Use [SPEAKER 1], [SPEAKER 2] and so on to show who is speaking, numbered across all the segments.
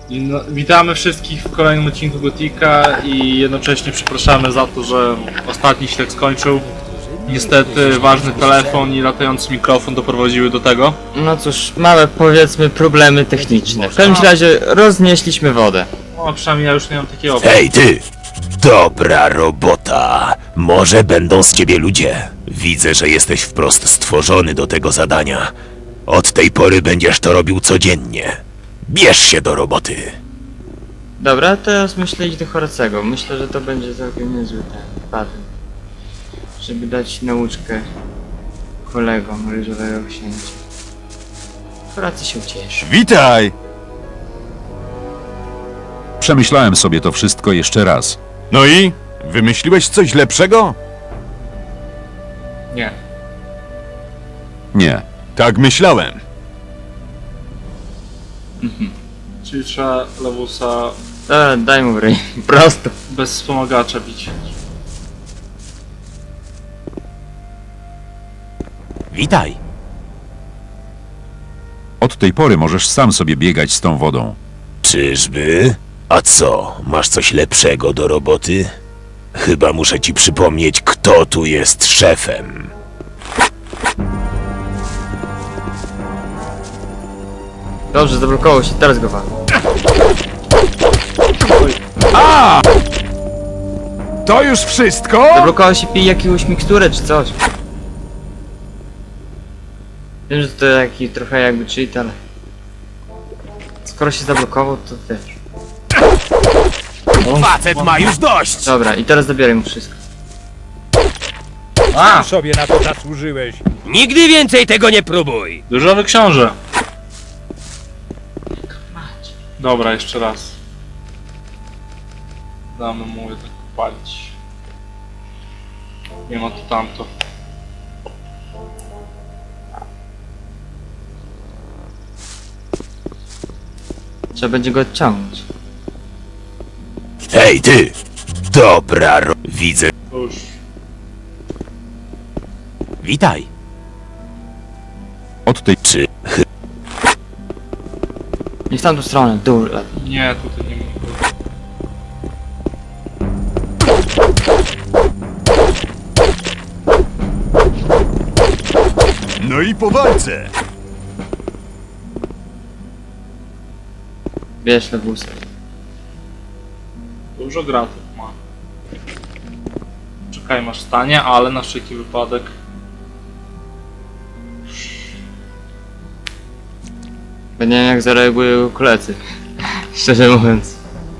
[SPEAKER 1] No, witamy wszystkich w kolejnym odcinku Gotika i jednocześnie przepraszamy za to, że ostatni się tak skończył. Niestety ważny telefon i latający mikrofon doprowadziły do tego.
[SPEAKER 2] No cóż, małe powiedzmy problemy techniczne. W każdym razie roznieśliśmy wodę.
[SPEAKER 1] No przynajmniej ja już nie mam takiego.
[SPEAKER 3] Hej ty! Dobra robota! Może będą z ciebie ludzie. Widzę, że jesteś wprost stworzony do tego zadania. Od tej pory będziesz to robił codziennie. Bierz się do roboty.
[SPEAKER 2] Dobra, teraz myślę iść do Horacego. Myślę, że to będzie całkiem niezły ten patent. Żeby dać nauczkę kolegom ryżowego księcia. Horacy się ucieszy.
[SPEAKER 4] Witaj! Przemyślałem sobie to wszystko jeszcze raz. No i? Wymyśliłeś coś lepszego?
[SPEAKER 1] Nie.
[SPEAKER 4] Nie. Tak myślałem.
[SPEAKER 1] Czyli trzeba Lewusa
[SPEAKER 2] Dobra, daj mu w ryj. Prosto.
[SPEAKER 1] bez wspomagacza bić.
[SPEAKER 3] Witaj.
[SPEAKER 4] Od tej pory możesz sam sobie biegać z tą wodą.
[SPEAKER 3] Czyżby? A co, masz coś lepszego do roboty? Chyba muszę ci przypomnieć, kto tu jest szefem.
[SPEAKER 2] Dobrze, zablokował się, teraz go walę.
[SPEAKER 4] To już wszystko?
[SPEAKER 2] Zablokował się, pij jakąś miksturę czy coś. Wiem, że to taki trochę jakby cheat, ale... Skoro się zablokował, to też.
[SPEAKER 3] Facet ma już dość!
[SPEAKER 2] Dobra, i teraz zabieraj mu wszystko.
[SPEAKER 1] A!
[SPEAKER 5] Sobie na to zasłużyłeś.
[SPEAKER 3] Nigdy więcej tego nie próbuj!
[SPEAKER 1] Różowy książę! Dobra, jeszcze raz. Damy mu jednak palić. Nie ma to tamto.
[SPEAKER 2] Trzeba będzie go odciągnąć.
[SPEAKER 3] Hej ty! Dobra widzę.
[SPEAKER 1] To już.
[SPEAKER 3] Witaj.
[SPEAKER 4] Od tej...
[SPEAKER 3] Czy
[SPEAKER 2] Nie w tamtą stronę, w dół.
[SPEAKER 1] Nie, tutaj nie ma.
[SPEAKER 4] No i po walce!
[SPEAKER 2] Bierz lewusa.
[SPEAKER 1] Dużo gratów ma. Czekaj, masz stanie, ale na wszelki wypadek.
[SPEAKER 2] Bo nie wiem jak zareagują koledzy. Szczerze mówiąc.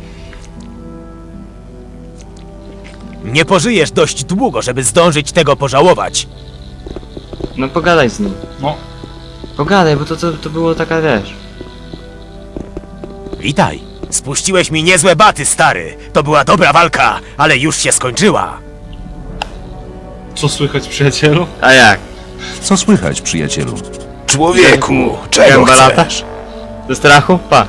[SPEAKER 3] nie pożyjesz dość długo, żeby zdążyć tego pożałować.
[SPEAKER 2] No pogadaj z nim.
[SPEAKER 1] No,
[SPEAKER 2] Pogadaj, bo to było taka, wiesz.
[SPEAKER 3] Witaj. Spuściłeś mi niezłe baty, stary. To była dobra walka, ale już się skończyła.
[SPEAKER 1] co słychać, przyjacielu?
[SPEAKER 2] A jak?
[SPEAKER 4] Co słychać, przyjacielu?
[SPEAKER 3] Człowieku, czego
[SPEAKER 2] Gęba lata?
[SPEAKER 3] chcesz?
[SPEAKER 2] Ze strachu? Pa.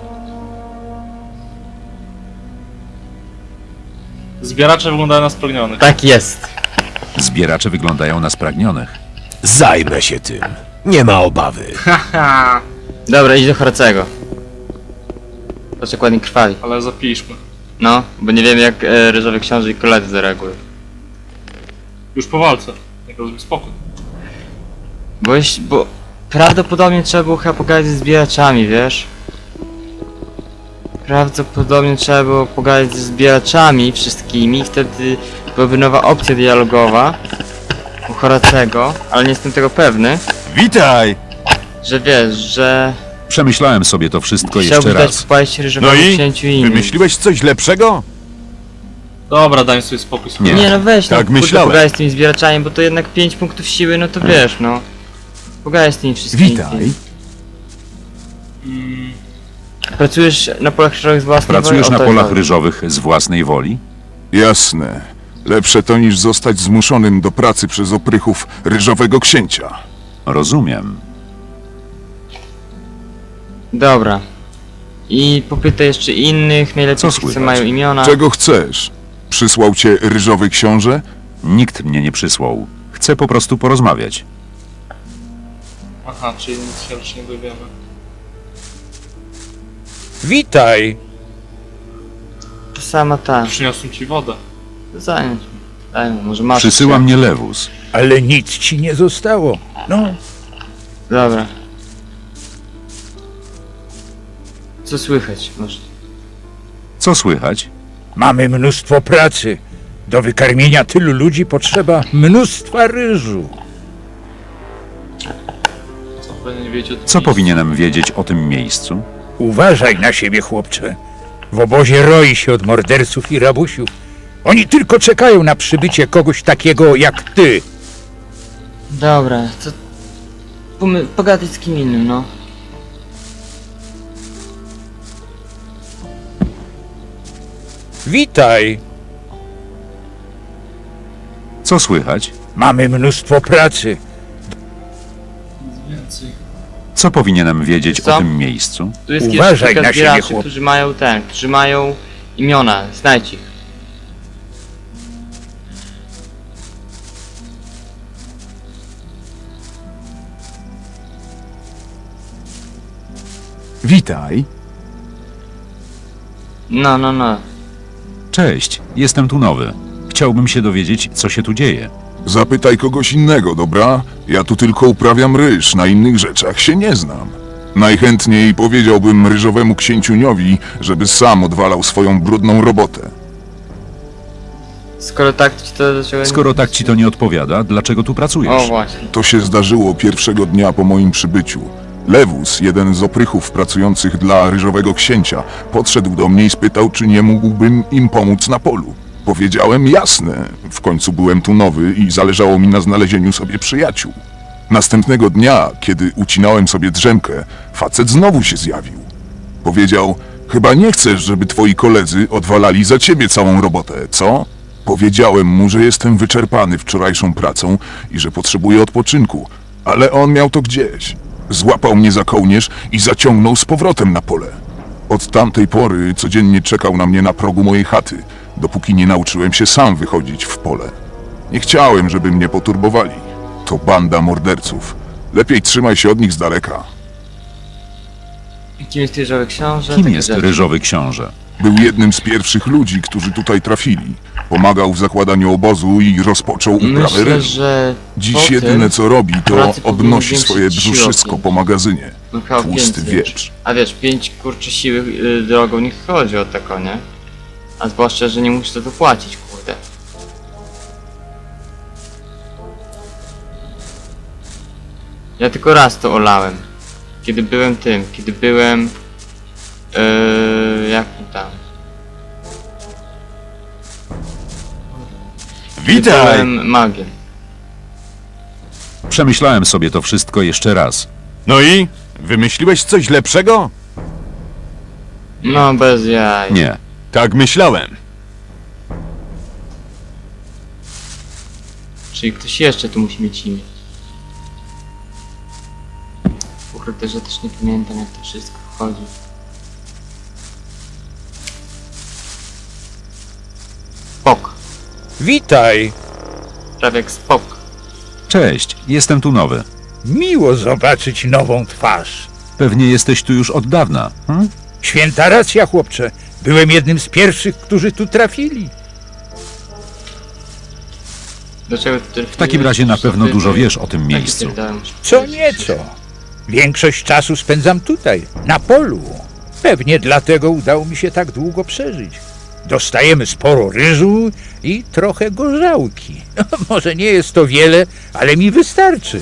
[SPEAKER 1] Zbieracze wyglądają na spragnionych.
[SPEAKER 2] Tak jest.
[SPEAKER 4] Zbieracze wyglądają na spragnionych.
[SPEAKER 3] Zajmę się tym. Nie ma obawy.
[SPEAKER 1] Haha,
[SPEAKER 2] Dobra, idź do Horacego. Patrz jak ładnie krwawi.
[SPEAKER 1] ale zapiszmy.
[SPEAKER 2] No, bo nie wiem jak ryżowy książę i koledzy zareagują.
[SPEAKER 1] Już po walce. Jak rozumiem, spokój.
[SPEAKER 2] Bo prawdopodobnie trzeba było chyba pogadać ze zbieraczami, wiesz? Prawdopodobnie trzeba było pogadać ze zbieraczami wszystkimi, wtedy byłaby nowa opcja dialogowa u Horacego, ale nie jestem tego pewny,
[SPEAKER 4] Witaj!
[SPEAKER 2] że wiesz, że
[SPEAKER 4] Przemyślałem sobie to wszystko jeszcze
[SPEAKER 2] chciałbyś dać
[SPEAKER 4] raz.
[SPEAKER 2] popaść ryżowemu
[SPEAKER 4] No i?
[SPEAKER 2] księciu i innym.
[SPEAKER 4] Wymyśliłeś coś lepszego?
[SPEAKER 1] Dobra, daj sobie spokój.
[SPEAKER 4] Nie.
[SPEAKER 2] Nie no weź, no
[SPEAKER 4] Tak
[SPEAKER 2] kurde,
[SPEAKER 4] myślałem.
[SPEAKER 2] pogadaj z tymi zbieraczami, bo to jednak 5 punktów siły, no to wiesz, no. Pogadaj z tymi wszystkimi.
[SPEAKER 4] Witaj.
[SPEAKER 2] Pracujesz na polach ryżowych z własnej
[SPEAKER 4] Pracujesz
[SPEAKER 2] woli?
[SPEAKER 4] na
[SPEAKER 2] O to
[SPEAKER 4] polach
[SPEAKER 2] chodzi.
[SPEAKER 4] ryżowych z własnej woli?
[SPEAKER 6] Jasne. Lepsze to niż zostać zmuszonym do pracy przez oprychów ryżowego księcia.
[SPEAKER 4] Rozumiem.
[SPEAKER 2] Dobra. I popytaj jeszcze innych, najlepiej
[SPEAKER 4] Co
[SPEAKER 2] tych, co
[SPEAKER 4] słychać?
[SPEAKER 2] mają imiona.
[SPEAKER 6] Czego chcesz? Przysłał cię ryżowy książę?
[SPEAKER 4] Nikt mnie nie przysłał. Chcę po prostu porozmawiać.
[SPEAKER 1] Aha, czyli nic się już nie dowiemy.
[SPEAKER 5] Witaj!
[SPEAKER 2] To sama ta.
[SPEAKER 1] Przyniosłem ci wodę.
[SPEAKER 2] Zająć. Daj mu, może masz.
[SPEAKER 4] Przysyła mnie Lewus.
[SPEAKER 5] Ale nic ci nie zostało. No,
[SPEAKER 2] Dobra. Co słychać? Może.
[SPEAKER 4] Co słychać?
[SPEAKER 5] mamy mnóstwo pracy. Do wykarmienia tylu ludzi potrzeba mnóstwa ryżu.
[SPEAKER 1] Co powinien wiedzieć o tym
[SPEAKER 4] Co
[SPEAKER 1] miejscu?
[SPEAKER 4] powinienem wiedzieć o tym miejscu?
[SPEAKER 5] Uważaj na siebie, chłopcze. W obozie roi się od morderców i rabusiów. Oni tylko czekają na przybycie kogoś takiego jak ty.
[SPEAKER 2] Dobra, to. Pogadać z kim innym, no.
[SPEAKER 5] Witaj!
[SPEAKER 4] Co słychać?
[SPEAKER 5] Mamy mnóstwo pracy.
[SPEAKER 1] Więcej.
[SPEAKER 4] Co powinienem wiedzieć
[SPEAKER 2] Co?
[SPEAKER 4] o tym miejscu?
[SPEAKER 2] Tu jest
[SPEAKER 5] Uważaj
[SPEAKER 2] kilka
[SPEAKER 5] na siebie,
[SPEAKER 2] zbieraczy,
[SPEAKER 5] chłop.
[SPEAKER 2] którzy mają imiona. Znajdź ich.
[SPEAKER 6] Witaj.
[SPEAKER 2] No.
[SPEAKER 4] Cześć, jestem tu nowy. Chciałbym się dowiedzieć, co się tu dzieje.
[SPEAKER 6] Zapytaj kogoś innego, dobra? Ja tu tylko uprawiam ryż, na innych rzeczach się nie znam. Najchętniej powiedziałbym ryżowemu księciuniowi, żeby sam odwalał swoją brudną robotę.
[SPEAKER 2] Skoro tak ci to dlaczego.
[SPEAKER 4] Skoro tak ci to nie odpowiada, dlaczego tu
[SPEAKER 2] O
[SPEAKER 4] pracujesz?
[SPEAKER 2] właśnie.
[SPEAKER 6] To się zdarzyło pierwszego dnia po moim przybyciu. Lewus, jeden z oprychów pracujących dla ryżowego księcia, podszedł do mnie i spytał, czy nie mógłbym im pomóc na polu. Powiedziałem jasne, w końcu byłem tu nowy i zależało mi na znalezieniu sobie przyjaciół. Następnego dnia, kiedy ucinałem sobie drzemkę, facet znowu się zjawił. Powiedział, chyba nie chcesz, żeby twoi koledzy odwalali za ciebie całą robotę, co? Powiedziałem mu, że jestem wyczerpany wczorajszą pracą i że potrzebuję odpoczynku, ale on miał to gdzieś. Złapał mnie za kołnierz i zaciągnął z powrotem na pole. Od tamtej pory codziennie czekał na mnie na progu mojej chaty, dopóki nie nauczyłem się sam wychodzić w pole. Nie chciałem, żeby mnie poturbowali. To banda morderców. Lepiej trzymaj się od nich z daleka.
[SPEAKER 2] Kim jest ryżowy książę?
[SPEAKER 4] Kim
[SPEAKER 2] Takie
[SPEAKER 4] jest
[SPEAKER 2] rzeczy.
[SPEAKER 4] ryżowy książę?
[SPEAKER 6] Był jednym z pierwszych ludzi, którzy tutaj trafili. Pomagał w zakładaniu obozu i rozpoczął uprawę
[SPEAKER 2] Myślę,
[SPEAKER 6] ryżu.
[SPEAKER 2] że.
[SPEAKER 6] Dziś
[SPEAKER 2] po
[SPEAKER 6] jedyne
[SPEAKER 2] tym
[SPEAKER 6] co robi, to
[SPEAKER 2] pracy powinien
[SPEAKER 6] obnosi
[SPEAKER 2] zwiększyć
[SPEAKER 6] swoje
[SPEAKER 2] siłę
[SPEAKER 6] brzuszczysko
[SPEAKER 2] pięć.
[SPEAKER 6] po magazynie.
[SPEAKER 2] No chyba
[SPEAKER 6] Tłusty
[SPEAKER 2] więcej.
[SPEAKER 6] wieprz.
[SPEAKER 2] A wiesz, 5 kurczy siły drogą nie chodzi o tako, nie? A zwłaszcza, że nie musisz za to płacić, kurde. Ja tylko raz to olałem. Kiedy byłem kiedy byłem... jak to tam? Kiedy byłem magiem.
[SPEAKER 4] Przemyślałem sobie to wszystko jeszcze raz.
[SPEAKER 7] No i? Wymyśliłeś coś lepszego?
[SPEAKER 2] No bez jaj.
[SPEAKER 4] Nie.
[SPEAKER 7] Tak myślałem.
[SPEAKER 2] Czyli ktoś jeszcze tu musi mieć imię. Kurde, że też nie pamiętam jak to wszystko wchodzi. Spok.
[SPEAKER 5] Witaj!
[SPEAKER 2] Prawie jak spok.
[SPEAKER 4] Cześć, jestem tu nowy.
[SPEAKER 5] Miło zobaczyć nową twarz.
[SPEAKER 4] Pewnie jesteś tu już od dawna.
[SPEAKER 5] Święta racja, chłopcze. Byłem jednym z pierwszych, którzy tu trafili.
[SPEAKER 2] Dlaczego ty
[SPEAKER 4] W takim razie na pewno dużo wiesz o tym miejscu.
[SPEAKER 5] Co nieco. Większość czasu spędzam tutaj, na polu. Pewnie dlatego udało mi się tak długo przeżyć. Dostajemy sporo ryżu i trochę gorzałki. Może nie jest to wiele, ale mi wystarczy.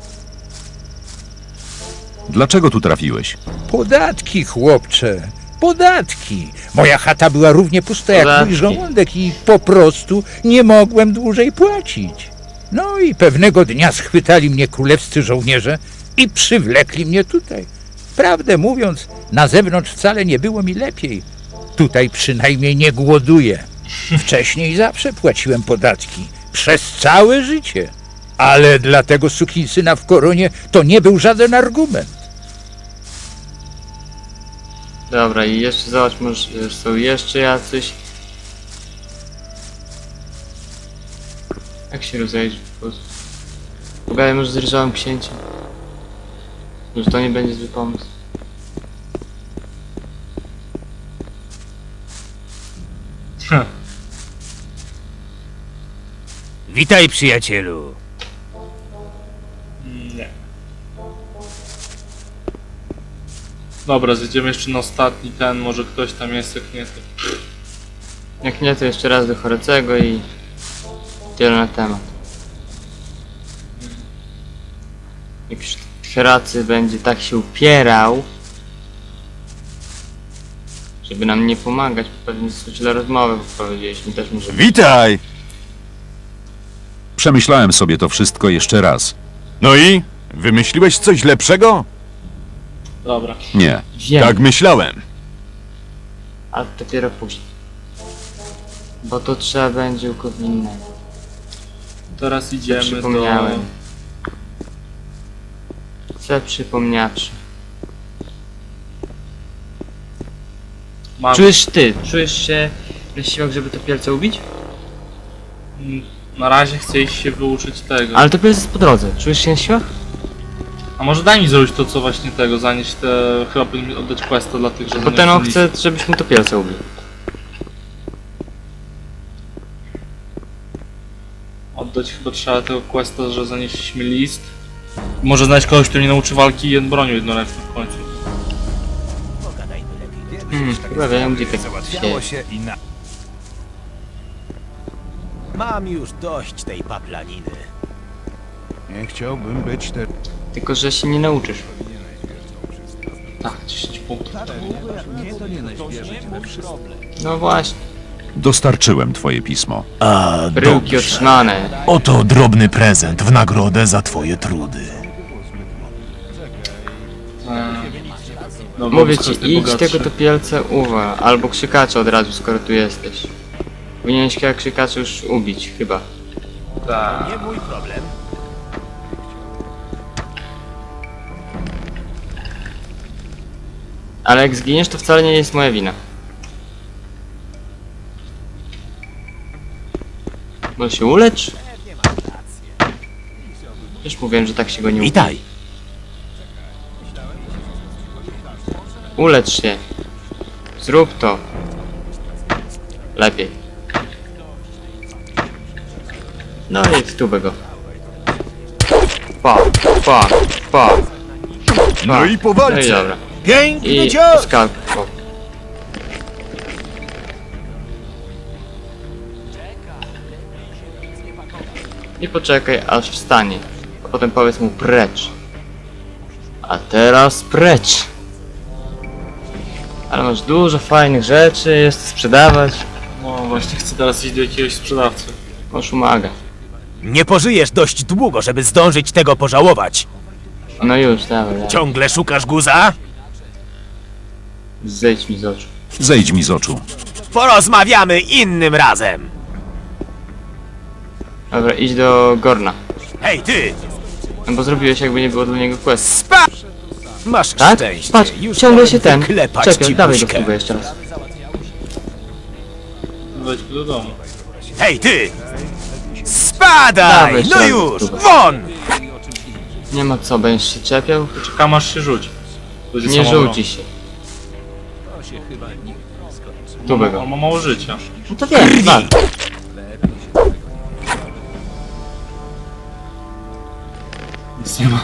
[SPEAKER 4] Dlaczego tu trafiłeś?
[SPEAKER 5] Podatki, chłopcze, podatki. Moja chata była równie pusta jak mój
[SPEAKER 2] Podatki.
[SPEAKER 5] żołądek i po prostu nie mogłem dłużej płacić. No i pewnego dnia schwytali mnie królewscy żołnierze i przywlekli mnie tutaj. Prawdę mówiąc, na zewnątrz wcale nie było mi lepiej. Tutaj przynajmniej nie głoduję. Wcześniej zawsze płaciłem podatki. Przez całe życie. Ale dla tego sukinsyna w koronie to nie był żaden argument.
[SPEAKER 2] Dobra, i jeszcze zobacz, może są jeszcze jacyś. Jak się rozejrzy po prostu? Pogadaj może z ryżowym księciem. Może to nie będzie zły pomysł.
[SPEAKER 3] Witaj, przyjacielu.
[SPEAKER 1] Nie. Dobra, zjedziemy jeszcze na ostatni ten, może ktoś tam jest, jak nie to...
[SPEAKER 2] Jak nie, to jeszcze raz do Horecego i tyle na temat. Jak już Horacy będzie tak się upierał, żeby nam nie pomagać, bo pewnie źle rozmowę powiedzieliśmy, też może być.
[SPEAKER 7] Witaj!
[SPEAKER 4] Przemyślałem sobie to wszystko jeszcze raz.
[SPEAKER 7] No i? Wymyśliłeś coś lepszego?
[SPEAKER 1] Dobra.
[SPEAKER 4] Nie.
[SPEAKER 2] Wiem,
[SPEAKER 7] Tak myślałem.
[SPEAKER 2] ale dopiero później. Bo to trzeba będzie u kogo innego.
[SPEAKER 1] Teraz idziemy
[SPEAKER 2] Przypomniałem. Co przypomniawszy.
[SPEAKER 1] Mam...
[SPEAKER 2] Czujesz się na siłach, żeby to pielce ubić?
[SPEAKER 1] Na razie chcę iść się wyuczyć tego.
[SPEAKER 2] Ale to pielce jest po drodze. Czujesz się na siłach?
[SPEAKER 1] A może daj mi zrobić to, co właśnie tego, zanieść te... Chyba powinien mi oddać questa dla tych, że
[SPEAKER 2] Bo ten on chce, żebyś mu to pielce ubił.
[SPEAKER 1] Oddać chyba trzeba tego questa, że zanieśliśmy list. Może znaleźć kogoś, kto mnie nauczy walki bronią jednoręczną w końcu.
[SPEAKER 2] Chyba wiem, gdzie tak
[SPEAKER 3] Załatwiało
[SPEAKER 2] się...
[SPEAKER 3] się Mam już dość tej paplaniny.
[SPEAKER 6] Nie chciałbym być te...
[SPEAKER 2] Tylko, że się nie nauczysz.
[SPEAKER 1] Tak, 10 punktów.
[SPEAKER 2] No właśnie.
[SPEAKER 4] Dostarczyłem twoje pismo.
[SPEAKER 3] A,
[SPEAKER 2] Bryłki otrzymane.
[SPEAKER 3] Oto drobny prezent w nagrodę za twoje trudy.
[SPEAKER 1] No,
[SPEAKER 2] Mówię
[SPEAKER 1] bo
[SPEAKER 2] ci,
[SPEAKER 1] jestem
[SPEAKER 2] idź
[SPEAKER 1] bogatszy.
[SPEAKER 2] tego to pielce uwa. Albo krzykacza od razu, skoro tu jesteś. Powinieneś chyba krzykacza już ubić, chyba.
[SPEAKER 1] Tak.
[SPEAKER 3] Nie mój problem.
[SPEAKER 2] Ale jak zginiesz, to wcale nie jest moja wina. Może się ulecz? Już mówiłem, że tak się go nie uda.
[SPEAKER 3] Witaj.
[SPEAKER 2] Ulecz się. Zrób to. Lepiej. No i w tubę go. Pa, pa, pa.
[SPEAKER 7] No i po
[SPEAKER 2] No i
[SPEAKER 7] walce.
[SPEAKER 2] dobra.
[SPEAKER 3] Piękny
[SPEAKER 2] I
[SPEAKER 3] cios!
[SPEAKER 2] skak. I poczekaj, aż wstanie. A potem powiedz mu precz. A teraz precz. Ale masz dużo fajnych rzeczy, jest to sprzedawać.
[SPEAKER 1] No właśnie chcę teraz iść do jakiegoś sprzedawcy.
[SPEAKER 2] Masz umaga.
[SPEAKER 3] Nie pożyjesz dość długo, żeby zdążyć tego pożałować.
[SPEAKER 2] No już, dawaj, dawaj.
[SPEAKER 3] Ciągle szukasz guza?
[SPEAKER 2] Zejdź mi z oczu.
[SPEAKER 4] Zejdź mi z oczu.
[SPEAKER 3] Porozmawiamy innym razem.
[SPEAKER 2] Dobra, idź do Gorna.
[SPEAKER 3] Hej ty!
[SPEAKER 2] No bo zrobiłeś jakby nie było dla niego quest.
[SPEAKER 3] Spa! Masz
[SPEAKER 2] Tak?
[SPEAKER 3] szczęście.
[SPEAKER 2] Patrz,
[SPEAKER 3] Już
[SPEAKER 2] ciągle się ten.
[SPEAKER 3] Klepać
[SPEAKER 2] Czekaj,
[SPEAKER 3] ci
[SPEAKER 2] dawaj go
[SPEAKER 3] buźkę.
[SPEAKER 2] spróbuję jeszcze raz.
[SPEAKER 1] Wejdź do domu.
[SPEAKER 3] Hej ty! Spadaj!
[SPEAKER 2] Dawaj,
[SPEAKER 3] No
[SPEAKER 2] ściągnij
[SPEAKER 3] już!
[SPEAKER 2] stówę.
[SPEAKER 3] Won!
[SPEAKER 2] Nie ma co, będziesz się czepiał?
[SPEAKER 1] Czekam aż się rzuci. Będzie
[SPEAKER 2] Nie
[SPEAKER 1] samobron.
[SPEAKER 2] rzuci się. Tu by go.
[SPEAKER 1] On ma mało życia.
[SPEAKER 2] No to wiem, wal.
[SPEAKER 1] Nic nie ma.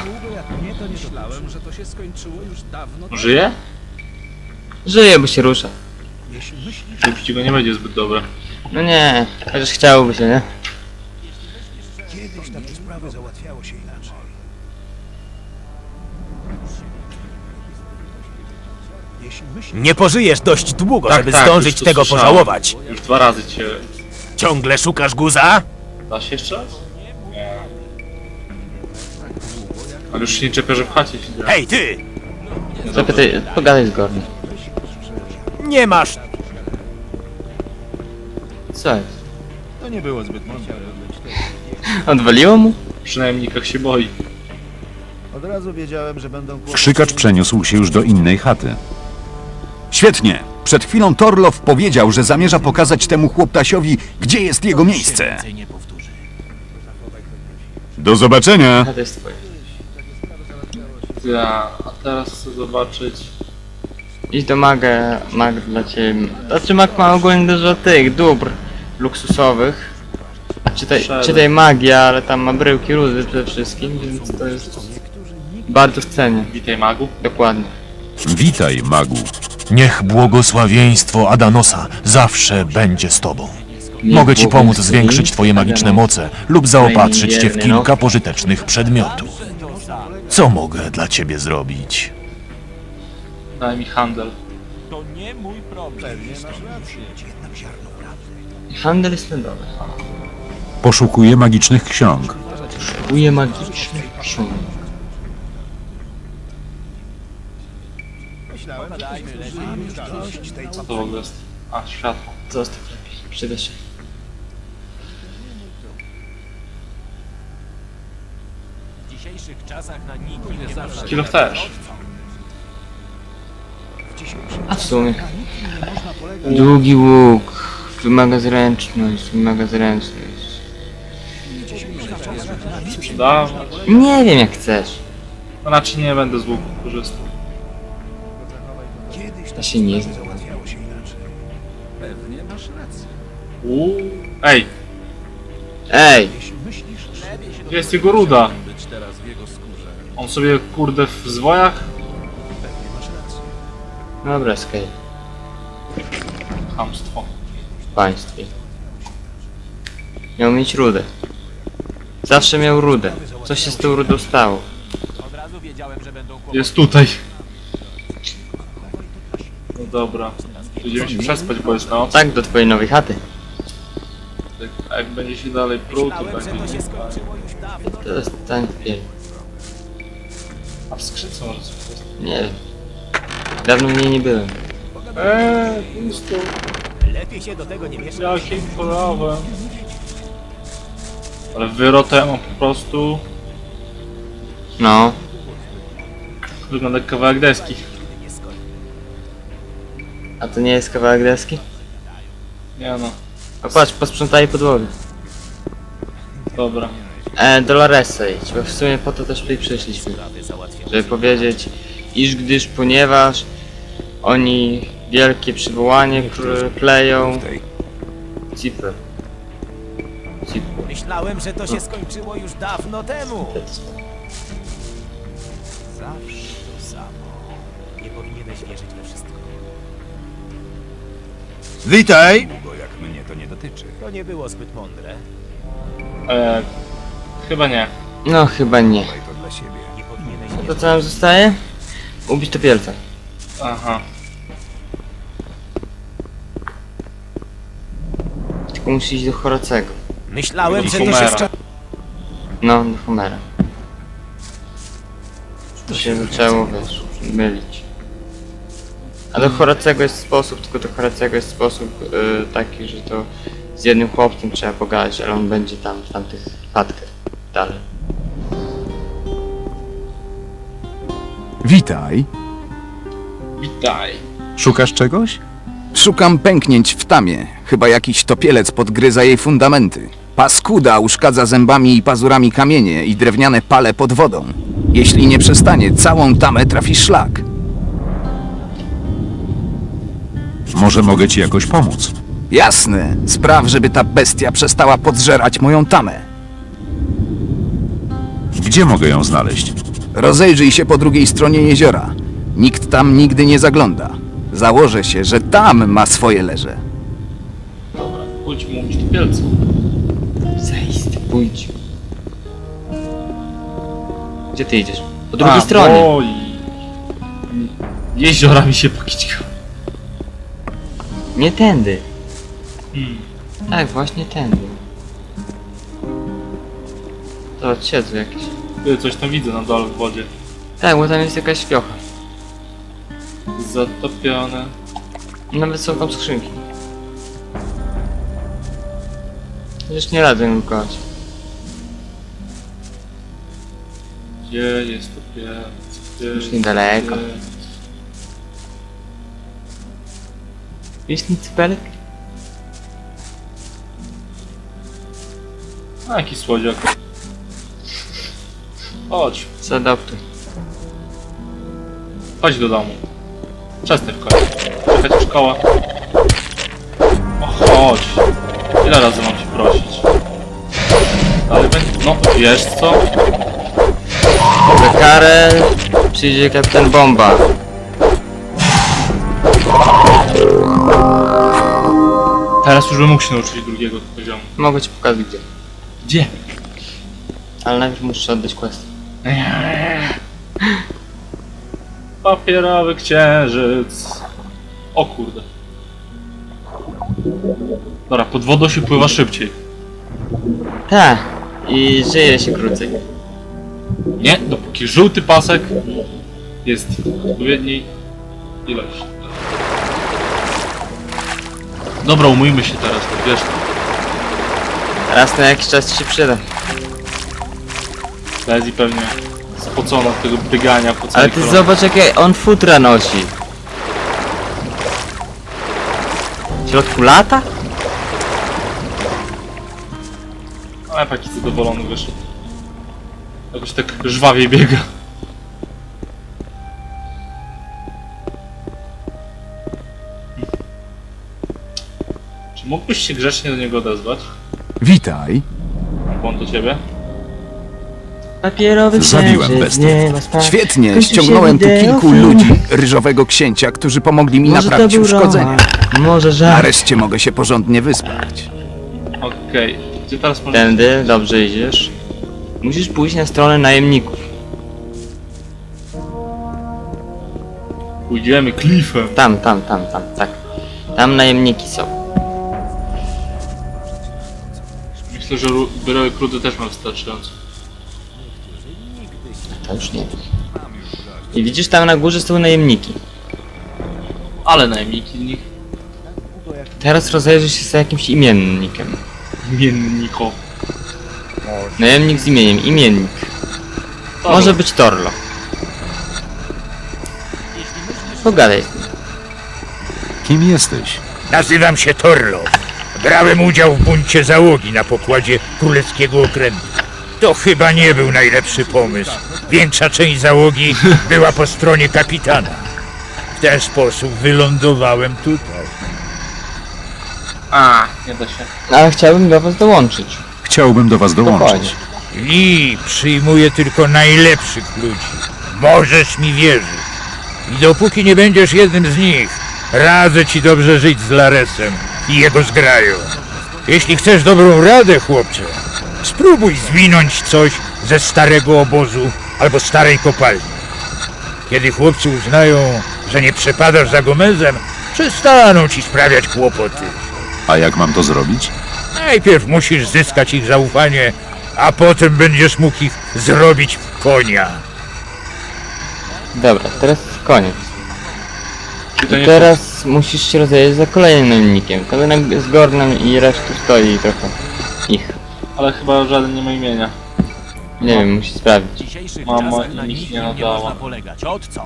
[SPEAKER 1] Żyje?
[SPEAKER 2] Żyje, bo się rusza.
[SPEAKER 1] Szybciej go nie będzie zbyt dobre.
[SPEAKER 2] No nie, chociaż chciałoby się, nie?
[SPEAKER 3] Nie pożyjesz dość długo,
[SPEAKER 1] Tak,
[SPEAKER 3] żeby
[SPEAKER 1] tak,
[SPEAKER 3] zdążyć
[SPEAKER 1] już to
[SPEAKER 3] tego
[SPEAKER 1] słyszałem.
[SPEAKER 3] pożałować.
[SPEAKER 1] Już 2 razy cię...
[SPEAKER 3] Ciągle szukasz guza?
[SPEAKER 1] Da się jeszcze raz? Nie. Ale już się nie czepia, że w chacie się dzieje.
[SPEAKER 3] Hej ty!
[SPEAKER 2] Zapytaj, pogadaj z Gornem.
[SPEAKER 3] Nie masz...
[SPEAKER 2] Co jest? To nie było zbyt mądre. Odwaliło mu?
[SPEAKER 1] Przynajmniej jak się boi.
[SPEAKER 8] Od razu wiedziałem, że będą
[SPEAKER 4] Krzykacz przeniósł się już do innej chaty.
[SPEAKER 7] Świetnie. Przed chwilą Torlow powiedział, że zamierza pokazać temu chłoptasiowi, gdzie jest jego miejsce. Do zobaczenia.
[SPEAKER 2] A to jest twoje.
[SPEAKER 1] Ja, a teraz chcę zobaczyć...
[SPEAKER 2] Idź do mag dla ciebie. Znaczy mag ma ogólnie dużo tych dóbr luksusowych. Czytaj magia, ale tam ma bryłki rudy przede wszystkim, więc to jest bardzo w cenie.
[SPEAKER 1] Witaj, magu.
[SPEAKER 2] Dokładnie.
[SPEAKER 4] Witaj, magu.
[SPEAKER 3] Niech błogosławieństwo Adanosa zawsze będzie z tobą. Mogę ci pomóc
[SPEAKER 2] błogosławi
[SPEAKER 3] zwiększyć twoje magiczne
[SPEAKER 2] Adanos.
[SPEAKER 3] moce lub zaopatrzyć cię w
[SPEAKER 2] Wierny, no.
[SPEAKER 3] kilka pożytecznych przedmiotów. Co mogę dla ciebie zrobić?
[SPEAKER 1] Daj mi handel.
[SPEAKER 2] Handel jest ten dobry.
[SPEAKER 4] Poszukuję magicznych ksiąg.
[SPEAKER 2] Poszukuję magicznych ksiąg.
[SPEAKER 1] Co to w ogóle jest? A, światło.
[SPEAKER 2] Zostaw lepiej, przyda się.
[SPEAKER 1] Kilo też.
[SPEAKER 2] A w sumie. Długi łuk. Wymaga zręczność, wymaga zręczność.
[SPEAKER 1] Sprzedawać.
[SPEAKER 2] Nie wiem jak chcesz.
[SPEAKER 1] No raczej nie będę z łuku korzystał.
[SPEAKER 2] Ja się nie znam.
[SPEAKER 1] Ej,
[SPEAKER 2] Ej!
[SPEAKER 1] gdzie jest jego ruda? On sobie kurde w zwojach?
[SPEAKER 2] Dobra, skej.
[SPEAKER 1] Chamstwo.
[SPEAKER 2] W państwie. Miał mieć rudę. Zawsze miał rudę. Co się z tą rudą stało?
[SPEAKER 1] Jest tutaj. No dobra. Będziemy się przespać, bo jest noc.
[SPEAKER 2] Tak, do twojej nowej chaty.
[SPEAKER 1] A jak będzie się dalej pruł, to będzie...
[SPEAKER 2] To jest ten pier...
[SPEAKER 1] A w skrzynce może coś jest?
[SPEAKER 2] Nie wiem. Dawno w niej nie byłem.
[SPEAKER 1] Pusto. Jakim kolorem? Ale wyrotem on po prostu
[SPEAKER 2] No.
[SPEAKER 1] wygląda jak kawałek deski.
[SPEAKER 2] A to nie jest kawałek deski?
[SPEAKER 1] Nie no,
[SPEAKER 2] A patrz, posprzątaj podłogę.
[SPEAKER 1] dobra.
[SPEAKER 2] Doloresa idź, bo w sumie po to też tutaj przyszliśmy. Żeby powiedzieć, iż ponieważ oni wielkie przywołanie kleją. Cipę.
[SPEAKER 9] Myślałem, że to się skończyło już dawno temu. Zawsze to samo. Nie powinieneś wierzyć we wszystko.
[SPEAKER 7] Witaj!
[SPEAKER 9] To nie było zbyt mądre.
[SPEAKER 1] Chyba nie.
[SPEAKER 2] No chyba nie.
[SPEAKER 9] Nie powinieneś
[SPEAKER 2] To co nam zostaje? Ubić topielca.
[SPEAKER 1] Aha.
[SPEAKER 2] Tylko musi iść do Horacego.
[SPEAKER 9] Myślałem, że to
[SPEAKER 1] Homera.
[SPEAKER 9] się
[SPEAKER 2] No, do Homera. To się zaczęło, wiesz, mylić. A do Horacego jest sposób, tylko do Horacego jest sposób taki, że to z jednym chłopcem trzeba pogadać, ale on będzie tam, w tamtych chatkach dalej.
[SPEAKER 7] Witaj.
[SPEAKER 1] Witaj.
[SPEAKER 4] Szukasz czegoś?
[SPEAKER 7] Szukam pęknięć w tamie. Chyba jakiś topielec podgryza jej fundamenty. Paskuda uszkadza zębami i pazurami kamienie i drewniane pale pod wodą. Jeśli nie przestanie, całą tamę trafi szlak.
[SPEAKER 4] Może mogę ci jakoś pomóc.
[SPEAKER 7] Jasne. Spraw, żeby ta bestia przestała podżerać moją tamę.
[SPEAKER 4] Gdzie mogę ją znaleźć?
[SPEAKER 7] Rozejrzyj się po drugiej stronie jeziora. Nikt tam nigdy nie zagląda. Założę się, że tam ma swoje leże.
[SPEAKER 1] Dobra, pójdź mu umyć topielce.
[SPEAKER 2] Zaiste, pójdź. Gdzie ty idziesz? Po drugiej stronie.
[SPEAKER 1] Oj. Jeziora mi się pokićkały.
[SPEAKER 2] Nie tędy.
[SPEAKER 1] Hmm.
[SPEAKER 2] Tak, właśnie tędy. To siedzą jakieś.
[SPEAKER 1] Ty, coś tam widzę na dole w wodzie.
[SPEAKER 2] Tak, bo tam jest jakaś fiocha.
[SPEAKER 1] Zatopione.
[SPEAKER 2] Nawet są tam skrzynki. Już nie radzę im kochać.
[SPEAKER 1] Gdzie jest topielec? Gdzie
[SPEAKER 2] Już
[SPEAKER 1] jest
[SPEAKER 2] niedaleko.
[SPEAKER 1] topielec?
[SPEAKER 2] Jest nic cypelek?
[SPEAKER 1] A jaki słodziak. Chodź,
[SPEAKER 2] Zaadoptuj.
[SPEAKER 1] chodź do domu. Przestań w końcu. Czekać szkoła. O, chodź. Ile razy mam cię prosić? Ale będzie... No, wiesz co?
[SPEAKER 2] Za karę przyjdzie kapitan Bomba.
[SPEAKER 1] Teraz już bym mógł się nauczyć drugiego poziomu.
[SPEAKER 2] Mogę ci pokazać gdzie.
[SPEAKER 1] Gdzie?
[SPEAKER 2] Ale najpierw musisz oddać quest.
[SPEAKER 1] Papierowy księżyc. O kurde. Dobra, pod wodą się pływa szybciej.
[SPEAKER 2] Tak. I żyje się krócej.
[SPEAKER 1] Nie, dopóki żółty pasek jest w odpowiedniej ilości. Dobra, umyjmy się teraz, to wiesz.
[SPEAKER 2] Raz na jakiś czas ci się przyda.
[SPEAKER 1] Lezi pewnie spocona od tego biegania po
[SPEAKER 2] Ale
[SPEAKER 1] całej
[SPEAKER 2] ty
[SPEAKER 1] kolonie.
[SPEAKER 2] zobacz jakie on futra nosi. W środku lata?
[SPEAKER 1] Ale taki zadowolony wyszedł. Jakoś tak żwawiej biega. Czy mógłbyś się grzecznie do niego odezwać?
[SPEAKER 4] Witaj.
[SPEAKER 1] On do ciebie?
[SPEAKER 2] Papierowy
[SPEAKER 4] Zabiłem
[SPEAKER 2] księżyc,
[SPEAKER 4] bestię.
[SPEAKER 2] nie ma sprawy.
[SPEAKER 7] Świetnie,
[SPEAKER 2] Kończy się
[SPEAKER 7] ściągnąłem tu
[SPEAKER 2] wideo,
[SPEAKER 7] kilku
[SPEAKER 2] film.
[SPEAKER 7] ludzi ryżowego księcia, którzy pomogli mi
[SPEAKER 2] Może to
[SPEAKER 7] naprawić
[SPEAKER 2] był
[SPEAKER 7] uszkodzenia.
[SPEAKER 2] roman, może żart.
[SPEAKER 7] Nareszcie mogę się porządnie wyspać.
[SPEAKER 1] Okej. Gdzie teraz możesz...
[SPEAKER 2] Tędy, dobrze idziesz. Musisz pójść na stronę najemników.
[SPEAKER 1] Pójdziemy klifem.
[SPEAKER 2] Tam, tak. Tam najemniki są.
[SPEAKER 1] Myślę, że wyrołek rudy też mam wystarczająco.
[SPEAKER 2] To już nie wiem. I widzisz, tam na górze są najemniki.
[SPEAKER 1] Ale najemniki z nich.
[SPEAKER 2] Teraz rozejrzyj się za jakimś imiennikiem.
[SPEAKER 1] Imienniko.
[SPEAKER 2] Najemnik z imieniem, imiennik. Może być Torlo. Pogadaj z nim.
[SPEAKER 4] Kim jesteś?
[SPEAKER 5] Nazywam się Torlo. Brałem udział w buncie załogi na pokładzie królewskiego okrętu. To chyba nie był najlepszy pomysł. Większa część załogi była po stronie kapitana. W ten sposób wylądowałem tutaj.
[SPEAKER 1] A, nie da się.
[SPEAKER 2] Ale chciałbym do was dołączyć.
[SPEAKER 4] Chciałbym do was dołączyć.
[SPEAKER 2] Dokładnie.
[SPEAKER 5] Lee przyjmuje tylko najlepszych ludzi. Możesz mi wierzyć. I dopóki nie będziesz jednym z nich, radzę ci dobrze żyć z Laresem i jego zgrają. Jeśli chcesz dobrą radę, chłopcze, spróbuj zwinąć coś ze starego obozu albo starej kopalni. Kiedy chłopcy uznają, że nie przepadasz za Gomezem, przestaną ci sprawiać kłopoty.
[SPEAKER 4] A jak mam to zrobić?
[SPEAKER 5] Najpierw musisz zyskać ich zaufanie, a potem będziesz mógł ich zrobić w konia.
[SPEAKER 2] Dobra, teraz koniec.
[SPEAKER 1] Czy to
[SPEAKER 2] I
[SPEAKER 1] nie
[SPEAKER 2] teraz musisz się rozejrzeć za kolejnym najemnikiem. To z Gornem i resztą stoi trochę ich.
[SPEAKER 1] Ale chyba żaden nie ma imienia.
[SPEAKER 2] Nie wiem, musisz sprawdzić.
[SPEAKER 9] W dzisiejszych
[SPEAKER 1] Mama
[SPEAKER 9] czasach na
[SPEAKER 1] nic
[SPEAKER 9] nikim
[SPEAKER 1] nie
[SPEAKER 9] nie
[SPEAKER 1] nadała.
[SPEAKER 9] można polegać. Od co?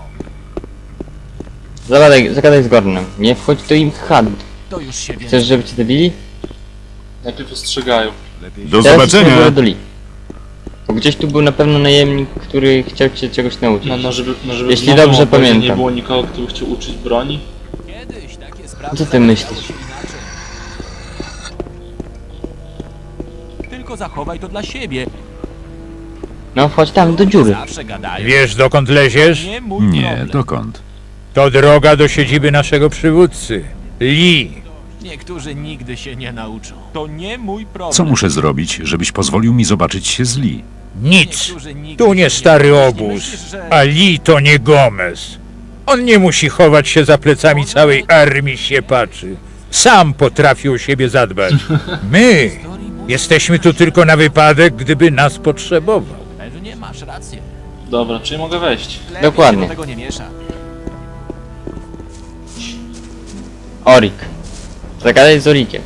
[SPEAKER 2] Zagadaj z Gornem. Nie wchodź do ich chat.
[SPEAKER 9] To już się wie.
[SPEAKER 2] Chcesz, żeby cię zabili?
[SPEAKER 1] Najpierw ostrzegają.
[SPEAKER 4] Do
[SPEAKER 2] Teraz idź na
[SPEAKER 4] zobaczenia.
[SPEAKER 2] górę do Lee. Bo gdzieś tu był na pewno najemnik, który chciał cię czegoś nauczyć.
[SPEAKER 1] Żeby
[SPEAKER 2] Jeśli
[SPEAKER 1] w nowym
[SPEAKER 2] dobrze
[SPEAKER 1] obozie
[SPEAKER 2] pamiętam.
[SPEAKER 1] nie było nikogo, kto by chciał uczyć broni.
[SPEAKER 9] Kiedyś takie sprawy
[SPEAKER 2] Co ty myślisz?
[SPEAKER 9] załatwiało się inaczej. Tylko zachowaj to dla siebie.
[SPEAKER 2] No wchodź tam do dziury.
[SPEAKER 9] Zawsze gadają.
[SPEAKER 5] Wiesz, dokąd leziesz?
[SPEAKER 9] Nie mój
[SPEAKER 4] Nie,
[SPEAKER 9] problem.
[SPEAKER 4] dokąd?
[SPEAKER 5] To droga do siedziby naszego przywódcy, Lee.
[SPEAKER 9] Niektórzy nigdy się nie nauczą. To nie mój problem.
[SPEAKER 4] Co muszę zrobić, żebyś pozwolił mi zobaczyć się z Lee?
[SPEAKER 5] Nic.
[SPEAKER 9] Niektórzy nigdy
[SPEAKER 5] Tu nie
[SPEAKER 9] się
[SPEAKER 5] stary
[SPEAKER 9] nauczą.
[SPEAKER 5] obóz,
[SPEAKER 9] Myślisz, że-
[SPEAKER 5] a Lee to nie Gomez. On nie musi chować się za plecami całej armii siepaczy. Sam potrafi o siebie zadbać. My jesteśmy tu tylko na wypadek, gdyby nas potrzebował.
[SPEAKER 9] Pewnie masz rację.
[SPEAKER 1] Dobra, czyli mogę wejść.
[SPEAKER 9] Lepiej
[SPEAKER 2] Dokładnie.
[SPEAKER 9] się do tego nie miesza.
[SPEAKER 2] Orik. Zagadaj z Orikiem.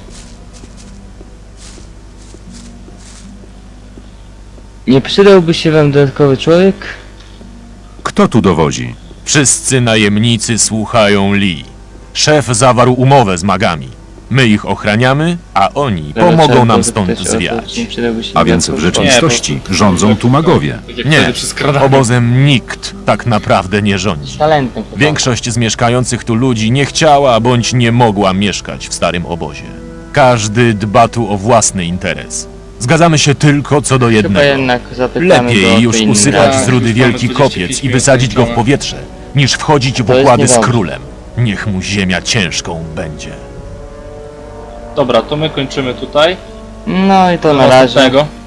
[SPEAKER 2] Nie przydałby się wam dodatkowy człowiek?
[SPEAKER 4] Kto tu dowodzi?
[SPEAKER 10] Wszyscy najemnicy słuchają Lee. Szef zawarł umowę z magami.
[SPEAKER 4] My ich ochraniamy, a oni
[SPEAKER 2] Dobra,
[SPEAKER 4] pomogą
[SPEAKER 2] trzeba
[SPEAKER 4] nam
[SPEAKER 2] było
[SPEAKER 4] stąd
[SPEAKER 2] zapytać o to,
[SPEAKER 4] zwiać.
[SPEAKER 2] czy nie przydałby się
[SPEAKER 4] A więc w
[SPEAKER 2] dodatkowy
[SPEAKER 4] rzeczywistości
[SPEAKER 1] Nie, po prostu-
[SPEAKER 4] rządzą tu magowie.
[SPEAKER 1] Tak jak
[SPEAKER 4] Nie,
[SPEAKER 1] wtedy przy skradaniu.
[SPEAKER 4] obozem nikt tak naprawdę nie rządzi.
[SPEAKER 2] talentem chyba.
[SPEAKER 4] Większość z mieszkających tu ludzi nie chciała bądź nie mogła mieszkać w starym obozie. Każdy dba tu o własny interes. Zgadzamy się tylko co do
[SPEAKER 2] Chyba
[SPEAKER 4] jednego.
[SPEAKER 2] jednak zapytamy go o
[SPEAKER 4] Lepiej
[SPEAKER 2] to
[SPEAKER 4] już
[SPEAKER 2] innym
[SPEAKER 4] usypać
[SPEAKER 2] razem.
[SPEAKER 4] z rudy
[SPEAKER 1] Już
[SPEAKER 4] wielki
[SPEAKER 1] mamy
[SPEAKER 4] kopiec
[SPEAKER 1] 45
[SPEAKER 4] i wysadzić go w
[SPEAKER 1] minut
[SPEAKER 4] powietrze, niż wchodzić w
[SPEAKER 2] To jest
[SPEAKER 4] układy z
[SPEAKER 2] niedobrze.
[SPEAKER 4] królem. Niech mu ziemia ciężką będzie.
[SPEAKER 1] Dobra, to my kończymy tutaj.
[SPEAKER 2] No i to
[SPEAKER 1] Do
[SPEAKER 2] na razie.
[SPEAKER 1] następnego.